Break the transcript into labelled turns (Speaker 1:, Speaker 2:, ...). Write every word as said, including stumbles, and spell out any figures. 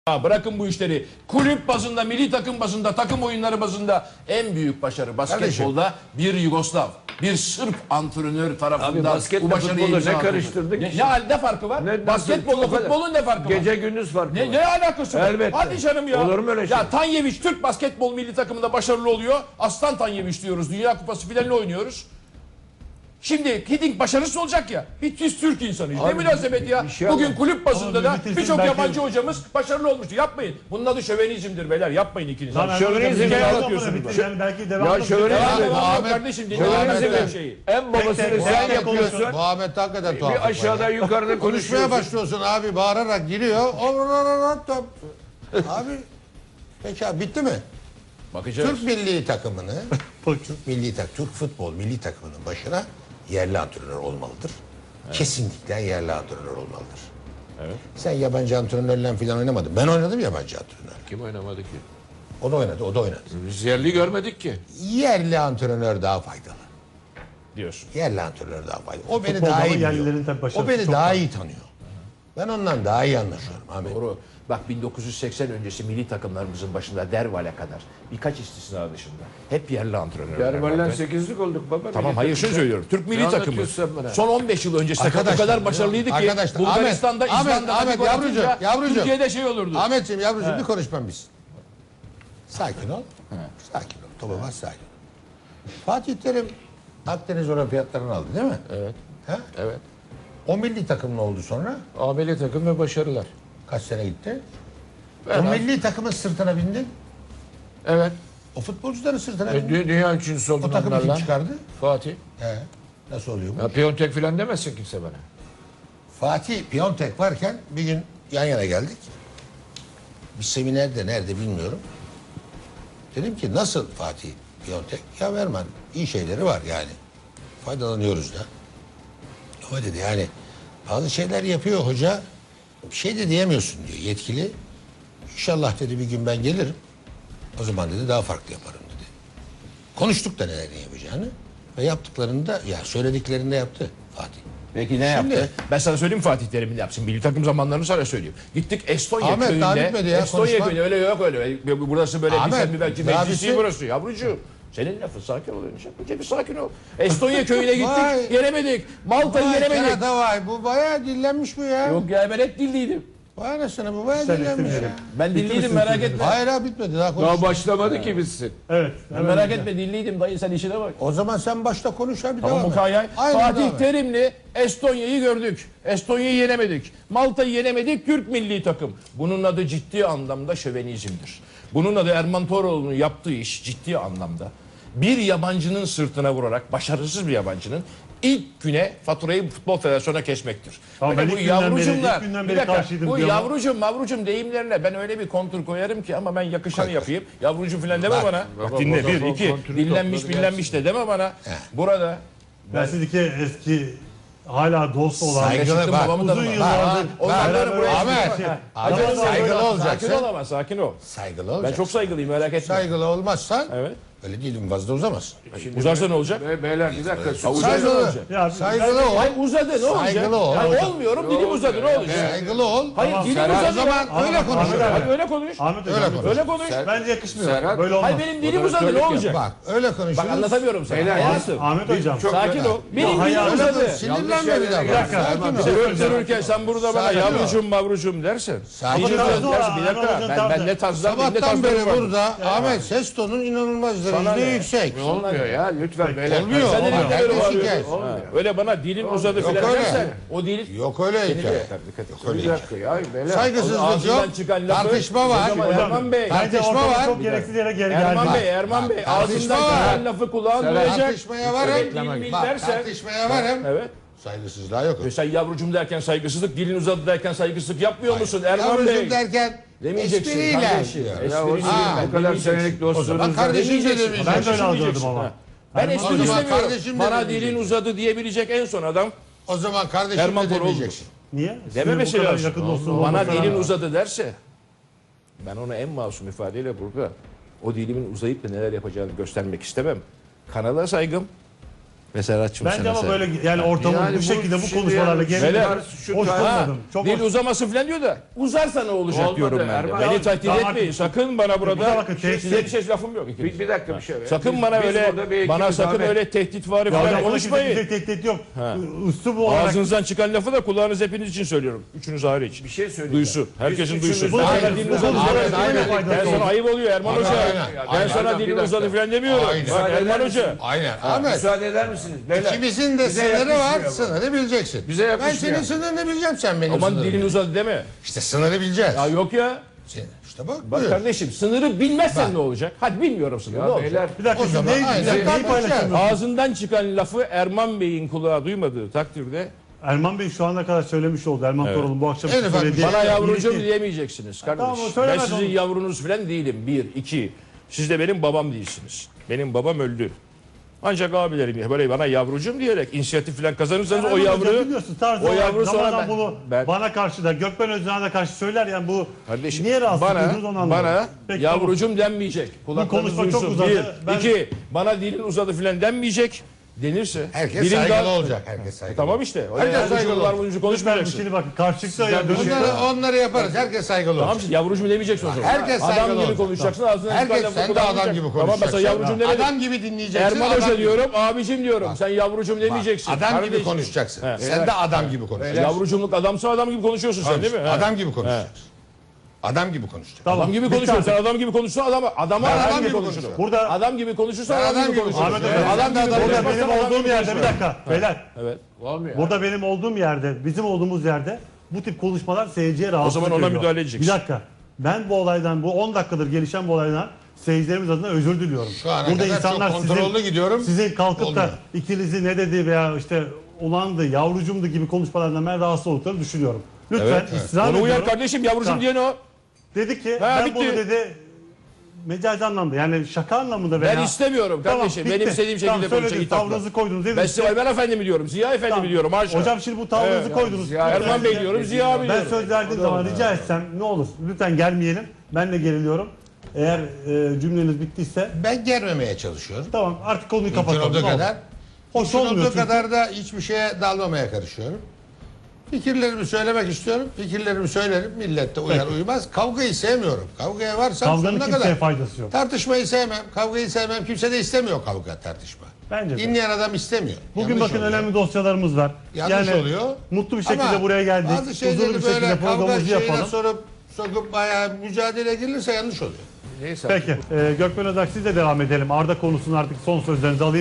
Speaker 1: Ya bırakın bu işleri. Kulüp bazında, milli takım bazında, takım oyunları bazında en büyük başarı basketbolda bir Yugoslav, bir Sırp antrenör tarafından bu başarıyı
Speaker 2: ne
Speaker 1: imza
Speaker 2: karıştırdık?
Speaker 1: Ne, ne, ne farkı var?
Speaker 2: Ne,
Speaker 1: Basketbolla futbolun ne farkı var?
Speaker 2: Gece gündüz farkı
Speaker 1: Ne,
Speaker 2: var.
Speaker 1: ne alakası var?
Speaker 2: Elbette.
Speaker 1: Hadi canım ya.
Speaker 2: Olur mu öyle şey?
Speaker 1: Ya Tanyeviç Türk basketbol milli takımında başarılı oluyor. Aslan Tanyeviç diyoruz. Dünya Kupası finalini oynuyoruz. Şimdi Hiddink başarısız olacak ya. Bir biz Türk insanıyız. Ne münasebet ya.
Speaker 2: şey
Speaker 1: Bugün
Speaker 2: ama.
Speaker 1: kulüp bazında da birçok
Speaker 3: belki...
Speaker 1: yabancı hocamız başarılı olmuştu. Yapmayın. Bunun adı şövenizmdir beyler. Yapmayın ikiniz.
Speaker 3: Tamam,
Speaker 2: Şövenizm
Speaker 3: hocam,
Speaker 2: ya,
Speaker 3: anlatıyorsunuz. Yani belki devam
Speaker 2: Ya şövenizm
Speaker 1: Devam
Speaker 2: Ahmet,
Speaker 1: devam
Speaker 4: Ahmet-
Speaker 1: kardeşim.
Speaker 2: Şövenizm
Speaker 1: Dinleyin şeyi.
Speaker 2: en babasını
Speaker 3: Tek tek,
Speaker 2: sen
Speaker 3: tek tek
Speaker 2: yapıyorsun.
Speaker 3: konuşun.
Speaker 4: Muhammed hakikaten tuhaf.
Speaker 2: Bir aşağıda yukarıda
Speaker 4: Konuşmaya
Speaker 2: konuşuyorsun.
Speaker 4: başlıyorsun abi, bağırarak giriyor. Abi peki abi, bitti mi?
Speaker 1: Bakacağız.
Speaker 4: Türk milli takımını, Türk milli tak, Türk futbol milli takımının başına yerli antrenör olmalıdır. Kesinlikle yerli antrenör olmalıdır.
Speaker 1: Evet.
Speaker 4: Sen yabancı antrenörle falan oynamadın. Ben oynadım yabancı antrenör.
Speaker 2: Kim oynamadı ki?
Speaker 4: O da oynadı, o da oynadı.
Speaker 2: Biz yerli görmedik ki.
Speaker 4: Yerli antrenör daha faydalı.
Speaker 1: Diyorsun.
Speaker 4: Yerli antrenör daha faydalı. O beni
Speaker 3: Futbolda
Speaker 4: daha
Speaker 3: ama
Speaker 4: iyi
Speaker 3: yerlilerin
Speaker 4: biliyor.
Speaker 3: tabii başarısı
Speaker 4: O beni
Speaker 3: çok
Speaker 4: daha
Speaker 3: var.
Speaker 4: iyi tanıyor. Ben ondan daha iyi anlaşıyorum Ahmet.
Speaker 1: Doğru. Bak bin dokuz yüz seksen öncesi milli takımlarımızın başında Derval'e kadar birkaç istisna dışında hep yerli antrenörler
Speaker 2: Derval'den
Speaker 1: vardı.
Speaker 2: sekizlik olduk baba.
Speaker 1: Tamam
Speaker 2: Milli
Speaker 1: hayır şunu
Speaker 2: takımda.
Speaker 1: söylüyorum. Türk milli
Speaker 2: Ne
Speaker 1: takımı
Speaker 2: anlatıyorsun sen bana?
Speaker 1: son on beş yıl öncesi takım o
Speaker 4: Arkadaşlar,
Speaker 1: kadar başarılıydı ki
Speaker 4: arkadaşlar,
Speaker 1: Bulgaristan'da,
Speaker 4: Ahmet,
Speaker 1: İzlanda'da
Speaker 4: Ahmet,
Speaker 1: bir gol
Speaker 4: yavrucuğum,
Speaker 1: atınca
Speaker 4: yavrucuğum.
Speaker 1: Türkiye'de şey olurdu.
Speaker 4: Ahmetciğim yavrucuğum bir konuşmam biz. Sakin ol. Sakin ol. Topa bas, sakin ol. Fatih Terim Akdeniz Olimpiyatlarını aldı değil mi?
Speaker 2: Evet.
Speaker 4: Ha?
Speaker 2: Evet.
Speaker 4: O milli takım ne oldu sonra?
Speaker 2: A milli takım ve başarılar.
Speaker 4: Kaç sene gitti?
Speaker 2: Ben
Speaker 4: o
Speaker 2: abi-
Speaker 4: milli takımın sırtına bindin.
Speaker 2: Evet.
Speaker 4: O futbolcuların sırtına
Speaker 2: E,
Speaker 4: bindin.
Speaker 2: dü- dünya üçüncüsü oldun
Speaker 4: O takımı kim
Speaker 2: onlarla.
Speaker 4: çıkardı?
Speaker 2: Fatih.
Speaker 4: He. Nasıl oluyor bu?
Speaker 2: Ya Piyontek falan demesin kimse bana.
Speaker 4: Fatih Piontek varken bir gün yan yana geldik. Bir seminerde nerede bilmiyorum. Dedim ki nasıl Fatih Piontek? Ya Verman iyi şeyleri var yani. Faydalanıyoruz da. O dedi yani bazı şeyler yapıyor hoca. Bir şey de diyemiyorsun diyor yetkili. İnşallah dedi bir gün ben gelirim. O zaman dedi daha farklı yaparım dedi. Konuştuk da nelerini yapacağını. Ve yaptıklarını da ya söylediklerini de yaptı Fatih.
Speaker 1: Peki ne
Speaker 4: Şimdi-
Speaker 1: yaptı? Ben sana söyleyeyim Fatih Terim'in yapsın. Milli takım zamanlarını sana söyleyeyim. Gittik Estonya
Speaker 4: Ahmet,
Speaker 1: köyünde.
Speaker 4: daha bitmedi ya,
Speaker 1: Estonya
Speaker 4: konuşma.
Speaker 1: köyünde öyle yok öyle. Burası böyle
Speaker 4: Ahmet,
Speaker 1: bir belki
Speaker 4: daha
Speaker 1: meclisi
Speaker 4: bitsin.
Speaker 1: burası yavrucuğum. Senin lafın sakin ol. Önce bir sakin ol. Estonya köyüne gittik.
Speaker 4: Vay.
Speaker 1: Yenemedik. Malta'yı
Speaker 4: Vay
Speaker 1: yenemedik.
Speaker 4: kerata vay, bu bayağı dillenmiş bu ya.
Speaker 1: Yok ya ben hep dilliydim.
Speaker 4: Vay anasını, bu bayağı
Speaker 3: Sen
Speaker 4: dillenmiş
Speaker 3: istemeyerek.
Speaker 4: ya.
Speaker 1: Ben dilliydim merak etme.
Speaker 4: Hayır abi bitmedi daha konuş.
Speaker 2: Daha başlamadı ki bizsin.
Speaker 3: Evet.
Speaker 1: Ben merak etme dilliydim dayı sen işine bak.
Speaker 4: O zaman sen başta konuş abi.
Speaker 1: Tamam
Speaker 4: devam et.
Speaker 1: Mukayay.
Speaker 4: Aynen,
Speaker 1: Fatih
Speaker 4: devam et.
Speaker 1: Terim'le Estonya'yı gördük. Estonya'yı yenemedik. Malta'yı yenemedik. Türk milli takım. Bunun adı ciddi anlamda şövenizmdir. Bunun adı Erman Toroğlu'nun yaptığı iş ciddi anlamda. Bir yabancının sırtına vurarak, başarısız bir yabancının ilk güne faturayı Futbol Federasyonu'na kesmektir.
Speaker 3: Tamam,
Speaker 1: Böyle
Speaker 3: ben
Speaker 1: bu
Speaker 3: ilk günden beri-
Speaker 1: yavrucumlar,
Speaker 3: ilk günden
Speaker 1: bir
Speaker 3: beri
Speaker 1: dakika,
Speaker 3: karşıydım
Speaker 1: bu
Speaker 3: diyor ama-
Speaker 1: yavrucum mavrucum deyimlerine ben öyle bir kontur koyarım ki ama ben yakışanı yapayım. Yavrucum falan deme
Speaker 4: Bak,
Speaker 1: bana.
Speaker 2: bak,
Speaker 1: Bak dinle
Speaker 2: bak,
Speaker 1: bir,
Speaker 2: bak,
Speaker 1: iki,
Speaker 2: kontürü
Speaker 1: dinlenmiş
Speaker 2: topladı
Speaker 1: billenmiş de deme bana. Burada
Speaker 3: Ben sizdeki eski hala dost olan
Speaker 4: Saygılı
Speaker 1: Çıktım
Speaker 4: bak.
Speaker 1: babamı da
Speaker 3: uzun
Speaker 1: bak.
Speaker 3: yıllardır
Speaker 1: Ondan
Speaker 3: beraber
Speaker 1: sonra buraya
Speaker 4: Ahmet,
Speaker 1: çıktım. Ha,
Speaker 4: Ahmet,
Speaker 1: acele olma,
Speaker 4: saygılı
Speaker 1: böyle-
Speaker 4: olacaksın.
Speaker 1: Sakin ol ama sakin ol.
Speaker 4: Saygılı
Speaker 1: Ben
Speaker 4: olacaksın.
Speaker 1: çok saygılıyım merak etme.
Speaker 4: Saygılı olmazsan
Speaker 1: Evet.
Speaker 4: öyle dilim fazla uzamazsın.
Speaker 1: Uzarsa ne olacak?
Speaker 2: Be beyler bir dakika.
Speaker 1: Ha, uzarsa ne
Speaker 4: Saygılı.
Speaker 1: olacak?
Speaker 3: Ya,
Speaker 4: Saygılı ol.
Speaker 1: Hayır uzadı ne olacak?
Speaker 4: Saygılı ol.
Speaker 1: Hayır, olmuyorum dilim uzadı ne olacak?
Speaker 4: Saygılı ol.
Speaker 1: Hayır dilim
Speaker 2: Serhat,
Speaker 1: uzadı.
Speaker 4: O zaman
Speaker 1: ya.
Speaker 4: öyle
Speaker 3: Ahmet
Speaker 4: konuş.
Speaker 3: abi.
Speaker 1: Hadi öyle konuş.
Speaker 3: Ahmet
Speaker 4: Öyle
Speaker 3: Hocam.
Speaker 4: konuş.
Speaker 1: Öyle konuş.
Speaker 3: Bence yakışmıyor.
Speaker 2: Serhat-
Speaker 3: Böyle olmaz.
Speaker 1: Hayır benim dilim
Speaker 2: Moderatörlük
Speaker 1: uzadı ne
Speaker 2: yap.
Speaker 1: olacak?
Speaker 4: Bak öyle konuşuruz.
Speaker 1: Bak anlatamıyorum sana.
Speaker 2: Beyler,
Speaker 1: Hayatım.
Speaker 3: Ahmet Hocam.
Speaker 2: Çok-
Speaker 1: Sakin ol. Benim dilim
Speaker 3: hayır,
Speaker 4: Öyle
Speaker 1: uzadı.
Speaker 4: konuş. Sinirlenme bir
Speaker 2: Bir
Speaker 4: dakika.
Speaker 3: dakika,
Speaker 4: Sakin
Speaker 3: Erman,
Speaker 4: ol.
Speaker 3: bir şey
Speaker 1: Durup dururken sen burada bana
Speaker 4: Sakin ol.
Speaker 1: yavrucum mavrucum dersen.
Speaker 4: Sakin
Speaker 1: Bir şey
Speaker 4: ol.
Speaker 1: dersin,
Speaker 3: Tarzı var,
Speaker 1: bir dakika.
Speaker 3: Erman
Speaker 1: Ben,
Speaker 3: Hocam
Speaker 1: ben ne tarzdan ne
Speaker 4: Sabahtan
Speaker 1: tarzdan
Speaker 4: beri
Speaker 1: var.
Speaker 4: burada Ahmet ses tonun inanılmaz
Speaker 1: Sana
Speaker 4: derecede
Speaker 1: ne?
Speaker 4: yüksek.
Speaker 2: Ne olmuyor ya lütfen beyler.
Speaker 4: Olmuyor.
Speaker 1: Sen de
Speaker 4: Olmuyor.
Speaker 1: ne kadar
Speaker 4: Herkes
Speaker 1: bağırıyorsun?
Speaker 4: şikayet.
Speaker 1: Ha, öyle bana dilin uzadı
Speaker 4: Yok
Speaker 1: filan
Speaker 4: öyle.
Speaker 1: dersen o dil
Speaker 4: Yok öyle hikaye. Yok öyle
Speaker 2: Bir
Speaker 4: hikaye.
Speaker 2: dakika ya beyler.
Speaker 4: Saygısızlık
Speaker 1: Ağzından
Speaker 4: yok.
Speaker 1: çıkan lafı-
Speaker 4: Tartışma var.
Speaker 1: Hocam, Erman Bey.
Speaker 3: Bence
Speaker 4: Tartışma
Speaker 3: ortada
Speaker 4: var.
Speaker 3: çok gereksiz yere geri
Speaker 1: Erman
Speaker 3: geldi.
Speaker 1: Bey, Erman Bey
Speaker 4: tartışma
Speaker 1: ağzından
Speaker 4: var.
Speaker 1: çıkan lafı kulağın
Speaker 2: Serhat,
Speaker 1: duyacak.
Speaker 4: Tartışmaya varım.
Speaker 1: Evet, dil bil
Speaker 4: Bak
Speaker 1: dersen.
Speaker 4: tartışmaya varım.
Speaker 1: Evet.
Speaker 4: Saygısızlığa yok.
Speaker 1: Ve sen yavrucum derken saygısızlık, dilin uzadı derken saygısızlık yapmıyor musun Erman
Speaker 4: Yavrucum
Speaker 1: Bey?
Speaker 4: derken
Speaker 1: Demeyeceksin
Speaker 4: espriyle.
Speaker 1: kardeşim.
Speaker 4: diyor.
Speaker 1: Espriyle
Speaker 2: Ya o
Speaker 1: değil,
Speaker 4: Ha,
Speaker 1: ben
Speaker 2: bu kadar
Speaker 1: demeyeceksin.
Speaker 2: senelik
Speaker 4: O zaman
Speaker 2: dostluğunuzda
Speaker 4: kardeşim de
Speaker 1: Demeyeceksin.
Speaker 4: demeyeceksin.
Speaker 3: Ben de öyle algıladım
Speaker 1: Demeyeceksin,
Speaker 3: ama.
Speaker 1: ha. Ben
Speaker 3: Erman-
Speaker 1: espri
Speaker 4: O zaman
Speaker 1: istemiyorum.
Speaker 4: kardeşim de
Speaker 1: Bana
Speaker 4: demeyeceksin.
Speaker 1: dilin uzadı diyebilecek en son adam
Speaker 4: O zaman kardeşim
Speaker 1: Erman
Speaker 4: de
Speaker 1: Toroğlu'dur.
Speaker 4: demeyeceksin.
Speaker 3: Niye?
Speaker 1: dememesi
Speaker 3: Sizin bu kadar
Speaker 1: lazım.
Speaker 3: yakın dostluğunuz
Speaker 1: Bana
Speaker 3: olmasına
Speaker 1: dilin
Speaker 3: rağmen.
Speaker 1: uzadı derse ben ona en masum ifadeyle burada o dilimin uzayıp da neler yapacağını göstermek istemem. Kanala saygım Beserhatçım
Speaker 3: Bence
Speaker 1: sana
Speaker 3: ama
Speaker 1: sen.
Speaker 3: böyle yani ortamın
Speaker 2: Yani
Speaker 3: bu
Speaker 2: bu
Speaker 3: şekilde bu
Speaker 2: şimdi
Speaker 3: konuşmalarla
Speaker 2: yani
Speaker 3: gelmesi
Speaker 1: Beyler,
Speaker 2: şu
Speaker 3: hoş
Speaker 2: tarz-
Speaker 3: bulmadım. Çok
Speaker 1: Dil
Speaker 3: hoş.
Speaker 1: uzaması falan diyor da uzarsa ne olacak
Speaker 2: Olmadı,
Speaker 1: diyorum ben de.
Speaker 2: Erman.
Speaker 1: Beni
Speaker 3: Ya,
Speaker 1: takdir
Speaker 3: tamam,
Speaker 1: etmeyin.
Speaker 3: artık-
Speaker 1: Sakın bana
Speaker 3: Burada
Speaker 1: burada
Speaker 3: bakın, tehdit-
Speaker 1: size bir şey lafım yok.
Speaker 2: Bir, bir dakika bir şey.
Speaker 1: Sakın
Speaker 2: Biz-
Speaker 1: bana
Speaker 2: biz
Speaker 1: öyle
Speaker 2: burada bir
Speaker 1: bana
Speaker 2: ekibiz
Speaker 1: sakın
Speaker 2: abi.
Speaker 1: öyle tehdit var
Speaker 3: Ya
Speaker 1: falan
Speaker 3: hocam
Speaker 1: konuşmayın.
Speaker 3: konuşmayın. Tehdit yok. Üslup olarak
Speaker 1: Ağzınızdan çıkan lafı da kulağınız hepiniz için söylüyorum. Üçünüz hariç.
Speaker 2: Bir şey söyleyeceğim.
Speaker 1: Duysun. Herkesin
Speaker 2: Biz
Speaker 1: duysun.
Speaker 2: üçümüz-
Speaker 1: Ben
Speaker 3: Aynen.
Speaker 1: sana dilin uzadı
Speaker 3: Aynen,
Speaker 1: falan
Speaker 3: aynen,
Speaker 1: demiyorum.
Speaker 3: aynen.
Speaker 1: Ben sana ayıp oluyor Erman
Speaker 4: Aynen,
Speaker 1: Hoca.
Speaker 4: aynen.
Speaker 1: Ben
Speaker 4: Aynen.
Speaker 1: sana
Speaker 2: Bir
Speaker 1: dilin
Speaker 2: dakika.
Speaker 1: uzadı falan demiyorum.
Speaker 4: Aynen.
Speaker 1: Bak Erman
Speaker 2: Aynen.
Speaker 1: Hoca.
Speaker 4: Aynen. Ahmet.
Speaker 2: Müsaade eder misiniz? Beyler.
Speaker 4: İkimizin de
Speaker 2: Bize
Speaker 4: sınırı var.
Speaker 2: yakışmıyor bu.
Speaker 4: Sınırı bileceksin.
Speaker 2: Bize
Speaker 4: ben
Speaker 2: yakışmıyor.
Speaker 4: senin sınırını bileceğim, sen benim
Speaker 1: Aman
Speaker 4: sınırımı.
Speaker 1: dilin uzadı deme.
Speaker 4: İşte sınırı bileceğiz.
Speaker 1: Ya yok ya.
Speaker 4: Sen- İşte bak,
Speaker 1: Bak
Speaker 4: buyur.
Speaker 1: kardeşim sınırı bilmezsen ne olacak? Hadi bilmiyorum sınırı ne
Speaker 2: Ya
Speaker 1: olacak?
Speaker 2: beyler.
Speaker 3: bir dakika
Speaker 4: O
Speaker 3: siz
Speaker 4: zaman
Speaker 3: neyi,
Speaker 4: aynen,
Speaker 3: neyi
Speaker 4: tartışacağız.
Speaker 3: paylaşamıyorsunuz?
Speaker 1: Ağzından çıkan lafı Erman Bey'in kulağı duymadığı takdirde
Speaker 3: Erman Bey şu ana kadar söylemiş oldu. Erman Toroğlu bu akşam
Speaker 4: En ufak bir
Speaker 3: söylediği.
Speaker 1: bana yavrucuğum
Speaker 3: İlki-
Speaker 1: diyemeyeceksiniz kardeş.
Speaker 3: tamam, o
Speaker 1: Ben
Speaker 3: söylemez
Speaker 1: sizin
Speaker 3: onu.
Speaker 1: yavrunuz falan değilim. Bir, iki. Siz de benim babam değilsiniz. Benim babam öldü. Ancak abilerim böyle bana yavrucuğum diyerek inisiyatif falan kazanırsanız o
Speaker 3: Erman Hocam
Speaker 1: yavru
Speaker 3: biliyorsun, tarzı
Speaker 1: o
Speaker 3: olarak
Speaker 1: yavru sonra
Speaker 3: Ramazan
Speaker 1: ben,
Speaker 3: bunu
Speaker 1: ben
Speaker 3: bana karşı da Gökmen Özden'e de karşı söyler yani bu
Speaker 1: kardeşim
Speaker 3: niye rahatsız
Speaker 1: bana
Speaker 3: ediyorsunuz onu anlamadım.
Speaker 1: bana
Speaker 3: Peki,
Speaker 1: yavrucuğum denmeyecek. Kulaklarınız
Speaker 3: konuşma çok
Speaker 1: duysun.
Speaker 3: uzadı.
Speaker 1: Bir,
Speaker 3: Ben-
Speaker 1: iki. Bana dilin uzadı falan denmeyecek. Denirse
Speaker 4: Herkes
Speaker 1: dilin
Speaker 4: saygılı
Speaker 1: daha-
Speaker 4: olacak. Herkes saygılı.
Speaker 1: Tamam işte.
Speaker 4: Herkes
Speaker 1: Herkes
Speaker 4: saygılı
Speaker 1: saygılar
Speaker 4: olsun.
Speaker 1: boyunca
Speaker 3: Lütfen
Speaker 1: konuşmayacaksın.
Speaker 3: şimdi bakın karşılıkta ya dönüş.
Speaker 4: Onları, onları yaparız. Herkes saygılı
Speaker 1: Tamam
Speaker 4: olsun.
Speaker 1: işte yavrucuğum demeyeceksin o zaman.
Speaker 4: Herkes
Speaker 1: adam
Speaker 4: saygılı
Speaker 1: gibi
Speaker 4: olacak.
Speaker 1: konuşacaksın. Ağzından
Speaker 4: Herkes
Speaker 1: çıkan lafı
Speaker 4: sen de
Speaker 1: kullanmayacaksın.
Speaker 4: adam gibi
Speaker 1: Tamam
Speaker 4: konuşacaksın.
Speaker 1: mesela yavrucuğum demedim.
Speaker 4: Adam gibi dinleyeceksin.
Speaker 1: Erman
Speaker 4: adam
Speaker 1: Hoca
Speaker 4: gibi-
Speaker 1: diyorum, abicim diyorum. Sen yavrucuğum demeyeceksin.
Speaker 4: Adam gibi
Speaker 1: Kardeşim.
Speaker 4: konuşacaksın.
Speaker 1: He.
Speaker 4: Sen de adam gibi konuşacaksın.
Speaker 1: Yavrucumluk adamsa adam gibi konuşuyorsun sen değil mi? He.
Speaker 4: Adam gibi konuşacaksın. Adam gibi konuşacaksın.
Speaker 3: Tamam.
Speaker 1: Adam gibi
Speaker 3: Bitti
Speaker 1: konuşuyorsun.
Speaker 3: artık.
Speaker 1: Sen adam gibi konuşursan adam adama
Speaker 4: Ben
Speaker 1: adam,
Speaker 4: adam
Speaker 1: gibi
Speaker 4: gibi
Speaker 1: konuşurum.
Speaker 4: konuşurum.
Speaker 3: Burada
Speaker 1: Adam gibi konuşursan
Speaker 4: Ben
Speaker 1: adam,
Speaker 4: adam
Speaker 1: gibi
Speaker 4: gibi
Speaker 1: konuşursun.
Speaker 3: konuşurum.
Speaker 1: Evet. Adam gibi
Speaker 4: Burada
Speaker 3: Burada
Speaker 1: konuşmazsan
Speaker 3: benim
Speaker 1: adam
Speaker 3: olduğum
Speaker 1: gibi
Speaker 3: yerde bir
Speaker 1: konuşma.
Speaker 3: dakika beyler.
Speaker 1: Evet.
Speaker 2: Olmuyor.
Speaker 3: Burada benim olduğum yerde, bizim olduğumuz yerde bu tip konuşmalar seyirciye rahatsızlık
Speaker 1: zaman ona
Speaker 3: veriyor.
Speaker 1: müdahale edeceksin.
Speaker 3: Bir dakika. Ben bu olaydan, bu on dakikadır gelişen bu olaydan seyircilerimiz adına özür diliyorum.
Speaker 4: Şu ana
Speaker 3: Burada
Speaker 4: kadar
Speaker 3: insanlar
Speaker 4: çok kontrollü
Speaker 3: sizin,
Speaker 4: gidiyorum.
Speaker 3: sizin kalkıp
Speaker 4: Olmuyor.
Speaker 3: da ikinizi ne dedi veya işte ulandı, yavrucumdu gibi konuşmalardan ben rahatsız olduklarını düşünüyorum. Lütfen
Speaker 1: Evet,
Speaker 3: ısrar
Speaker 1: Onu uyar
Speaker 3: ediyorum.
Speaker 1: kardeşim yavrucum
Speaker 3: Tamam.
Speaker 1: diyen o.
Speaker 3: Dedi ki
Speaker 1: Ha,
Speaker 3: ben
Speaker 1: bitti.
Speaker 3: bunu dedi mecazi anlamda yani şaka anlamında veya...
Speaker 1: Ben istemiyorum kardeşim.
Speaker 3: bitti.
Speaker 1: Benim istediğim şekilde
Speaker 3: Tamam,
Speaker 1: konuşacak
Speaker 3: söylediniz,
Speaker 1: hitapla.
Speaker 3: tavrınızı koydunuz değil mi?
Speaker 1: Ben size Ayben Efendi mi diyorum? Ziya Efendi
Speaker 3: Tamam.
Speaker 1: mi diyorum? Haşa.
Speaker 3: Hocam şimdi bu tavrınızı
Speaker 1: Evet.
Speaker 3: koydunuz.
Speaker 2: Ziya
Speaker 3: Lütfen
Speaker 1: Erman Bey
Speaker 3: size-
Speaker 1: diyorum, Ziya abi
Speaker 3: Ben
Speaker 1: diyorum.
Speaker 3: söz verdiğim zaman rica etsem ne olur lütfen gelmeyelim. Ben de geriliyorum. Eğer e, cümleniz bittiyse
Speaker 4: Ben germemeye çalışıyorum.
Speaker 3: tamam artık konuyu
Speaker 4: Mümkün
Speaker 3: kapatalım.
Speaker 4: olduğu
Speaker 3: ne olur.
Speaker 4: kadar.
Speaker 3: Hoş
Speaker 4: Mümkün
Speaker 3: olmuyor
Speaker 4: olduğu
Speaker 3: çünkü.
Speaker 4: kadar da hiçbir şeye dalmamaya karışıyorum. Fikirlerimi söylemek istiyorum. Fikirlerimi söylerim. Millette uyar
Speaker 3: Peki.
Speaker 4: uymaz. Kavgayı sevmiyorum. Kavgaya varsam
Speaker 3: Kavganın
Speaker 4: sonuna
Speaker 3: kimseye
Speaker 4: kadar.
Speaker 3: faydası yok.
Speaker 4: Tartışmayı sevmem. Kavgayı sevmem. Kimse de istemiyor kavga tartışma.
Speaker 3: Bence de.
Speaker 4: Dinleyen adam istemiyor.
Speaker 3: Bugün
Speaker 4: Yanlış
Speaker 3: bakın
Speaker 4: oluyor.
Speaker 3: önemli dosyalarımız var.
Speaker 4: Yanlış oluyor.
Speaker 3: Mutlu bir şekilde
Speaker 4: Ama
Speaker 3: buraya geldik.
Speaker 4: bazı şeyleri
Speaker 3: Huzurlu bir
Speaker 4: böyle
Speaker 3: şekilde
Speaker 4: kavga
Speaker 3: programımızı
Speaker 4: şeyine
Speaker 3: yapalım.
Speaker 4: sorup sokup bayağı mücadele edilirse yanlış oluyor.
Speaker 2: Neyse.
Speaker 3: Peki. E, Gökmen Özak sizle devam edelim. Arda konusunu artık son sözlerinizi alayım.